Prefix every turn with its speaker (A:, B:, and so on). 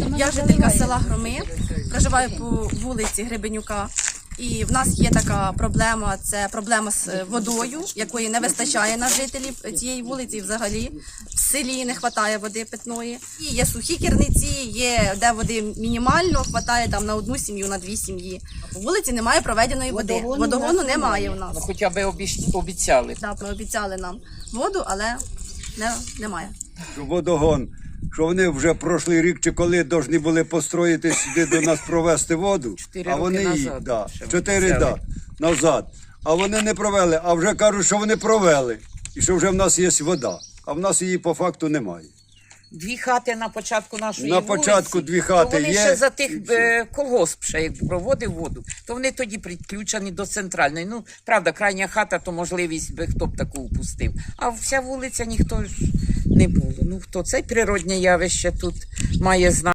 A: Я жителька села Громи, проживаю по вулиці Гребенюка. І в нас є така проблема, це проблема з водою, якої не вистачає на жителів цієї вулиці. І взагалі в селі не вистачає води питної. І є сухі керниці, є де води мінімально, вистачає там на одну сім'ю, на дві сім'ї. По вулиці немає проведеної води. Водогону немає у нас.
B: Ну, хоча б обіцяли.
A: Да, ми обіцяли нам воду, але немає.
C: Водогон, що вони вже прошлий рік чи коли повинні були построїти сюди до нас провести воду,
B: 4
C: а вони
B: роки
C: її,
B: назад
C: да,
B: ще
C: 4
B: обіцяли.
C: назад, а вони не провели, а вже кажуть, що вони провели, і що вже в нас є вода, а в нас її по факту немає.
B: 2 хати на початку нашої
C: На
B: вулиці,
C: початку 2 хати
B: то вони
C: є,
B: ще за тих
C: і все.
B: колгосп ще як проводив воду, то вони тоді підключені до центральної. Ну, правда, крайня хата, то можливість би хто б таку упустив. А вся вулиця ніхто ж не було. Ну, хто це природне явище тут має знати.